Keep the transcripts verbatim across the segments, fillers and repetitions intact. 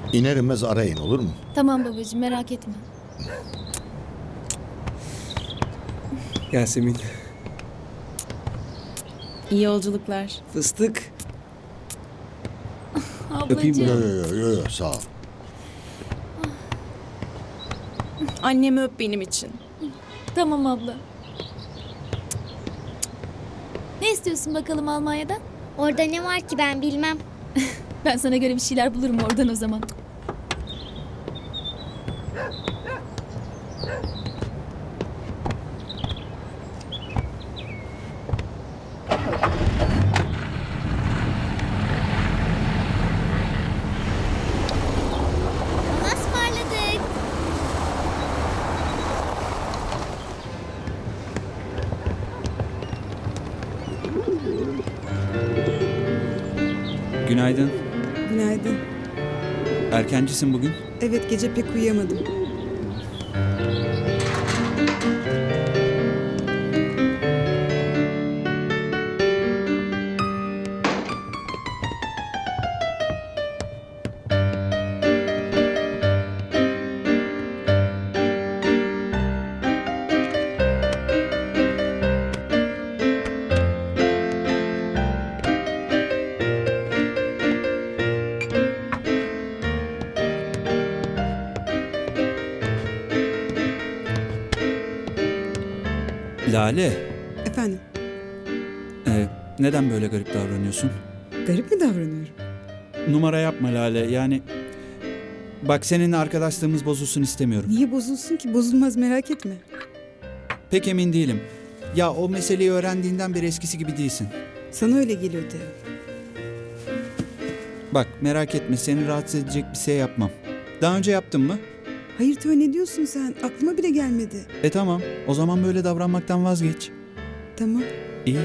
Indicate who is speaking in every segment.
Speaker 1: İner inmez arayın, olur mu?
Speaker 2: Tamam babacığım, merak etme.
Speaker 3: Yasemin.
Speaker 4: İyi yolculuklar.
Speaker 3: Fıstık.
Speaker 2: Ablacığım.
Speaker 3: Öpeyim
Speaker 1: Yo
Speaker 3: mi?
Speaker 1: yo yo yo sağ ol.
Speaker 4: Annemi öp benim için.
Speaker 2: Tamam abla. Ne istiyorsun bakalım Almanya'dan?
Speaker 5: Orada ne var ki ben bilmem.
Speaker 2: Ben sana göre bir şeyler bulurum oradan o zaman.
Speaker 5: Ona ısmarladık.
Speaker 6: Günaydın.
Speaker 7: Günaydın.
Speaker 6: Erkencisin bugün.
Speaker 7: Evet, gece pek uyuyamadım.
Speaker 6: Lale,
Speaker 7: Efendim,
Speaker 6: e, neden böyle garip davranıyorsun?
Speaker 7: garip mi davranıyorum?
Speaker 6: Numara yapma Lale, yani... Bak seninle arkadaşlığımız bozulsun istemiyorum.
Speaker 7: Niye bozulsun ki? Bozulmaz, merak etme.
Speaker 6: Pek emin değilim. Ya o meseleyi öğrendiğinden beri eskisi gibi değilsin.
Speaker 7: Sana öyle geliyor Teo.
Speaker 6: Bak merak etme, seni rahatsız edecek bir şey yapmam. Daha önce yaptın mı?
Speaker 7: Hayır Teo, ne diyorsun sen? Aklıma bile gelmedi.
Speaker 6: E tamam, o zaman böyle davranmaktan vazgeç.
Speaker 7: Tamam.
Speaker 6: İyi.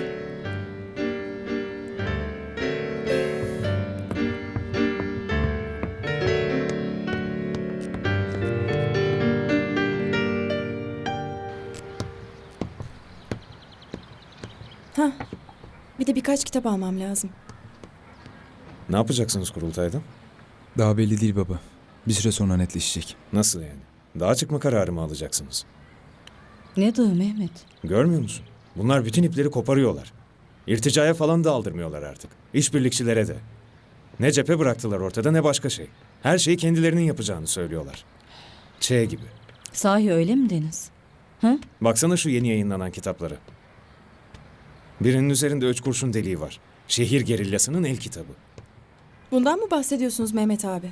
Speaker 4: Hah. Bir de birkaç kitap almam lazım.
Speaker 8: Ne yapacaksınız kurultayda?
Speaker 9: Daha belli değil baba. Bir süre sonra netleşecek.
Speaker 8: Nasıl yani? Dağa çıkma kararı mı alacaksınız?
Speaker 10: Ne dağı Mehmet?
Speaker 8: Görmüyor musun? Bunlar bütün ipleri koparıyorlar. İrticaya falan da aldırmıyorlar artık. İşbirlikçilere de. Ne cephe bıraktılar ortada ne başka şey. Her şeyi kendilerinin yapacağını söylüyorlar. Ç gibi.
Speaker 10: Sahi öyle mi Deniz? Hı?
Speaker 8: Baksana şu yeni yayınlanan kitapları. Birinin üzerinde üç kurşun deliği var. Şehir gerillasının el kitabı.
Speaker 4: Bundan mı bahsediyorsunuz Mehmet abi?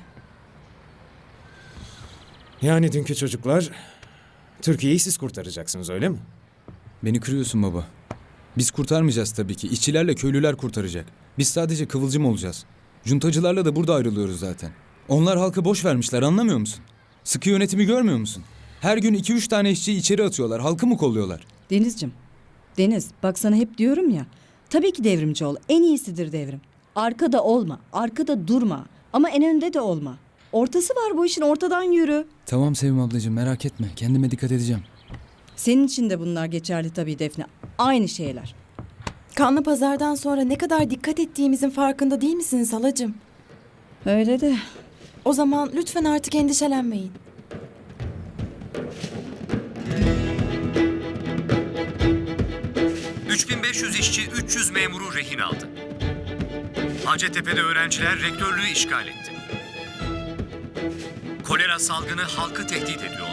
Speaker 8: Yani dünkü çocuklar... Türkiye'yi siz kurtaracaksınız öyle mi?
Speaker 9: Beni kırıyorsun baba. Biz kurtarmayacağız tabii ki. İşçilerle köylüler kurtaracak. Biz sadece kıvılcım olacağız. Cuntacılarla da burada ayrılıyoruz zaten. Onlar halkı boş vermişler, anlamıyor musun? Sıkı yönetimi görmüyor musun? Her gün iki üç tane işçiyi içeri atıyorlar. Halkı mı kolluyorlar?
Speaker 10: Denizciğim. Deniz bak sana hep diyorum ya. Tabii ki devrimci ol. En iyisidir devrim. Arkada olma. Arkada durma. Ama en önde de olma. Ortası var bu işin, ortadan yürü.
Speaker 9: Tamam Sevim ablacığım, merak etme. Kendime dikkat edeceğim.
Speaker 10: Senin için de bunlar geçerli tabii Defne. Aynı şeyler.
Speaker 4: Kanlı pazardan sonra ne kadar dikkat ettiğimizin farkında değil misiniz halacığım?
Speaker 10: Öyle de.
Speaker 4: O zaman lütfen artık endişelenmeyin.
Speaker 11: üç bin beş yüz işçi üç yüz memuru rehin aldı. Hacettepe'de öğrenciler rektörlüğü işgal etti. Kolera salgını halkı tehdit ediyor.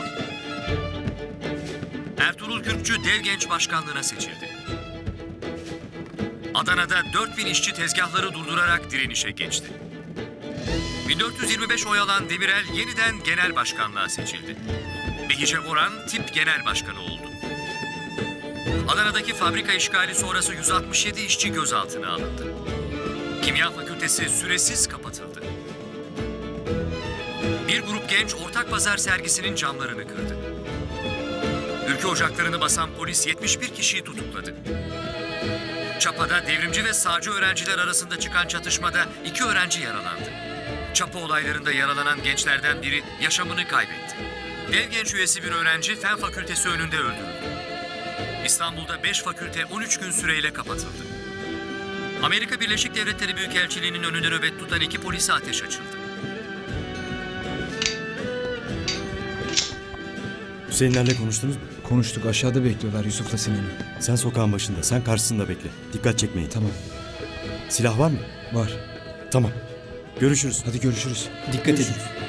Speaker 11: Ertuğrul Kürkçü Dev Genç Başkanlığı'na seçildi. Adana'da dört bin işçi tezgahları durdurarak direnişe geçti. bin dört yüz yirmi beş oy alan Demirel yeniden genel başkanlığa seçildi. Behice Boran tip genel başkanı oldu. Adana'daki fabrika işgali sonrası yüz altmış yedi işçi gözaltına alındı. Kimya Fakültesi süresiz kapatıldı. Bir grup genç ortak pazar sergisinin camlarını kırdı. Ülke ocaklarını basan polis yetmiş bir kişiyi tutukladı. Çapa'da devrimci ve sağcı öğrenciler arasında çıkan çatışmada iki öğrenci yaralandı. Çapa olaylarında yaralanan gençlerden biri yaşamını kaybetti. Dev Genç üyesi bir öğrenci Fen Fakültesi önünde öldürüldü. İstanbul'da beş fakülte on üç gün süreyle kapatıldı. Amerika Birleşik Devletleri Büyükelçiliği'nin önünde nöbet tutan iki polise ateş açıldı.
Speaker 3: Hüseyinlerle konuştunuz mu?
Speaker 9: Konuştuk, aşağıda bekliyorlar Yusuf'la Sinan'ı.
Speaker 3: Sen sokağın başında, sen karşısında bekle. Dikkat çekmeyin.
Speaker 9: Tamam,
Speaker 3: Silah var mı?
Speaker 9: var.
Speaker 3: Tamam. Görüşürüz.
Speaker 9: Hadi görüşürüz.
Speaker 6: Dikkat edin.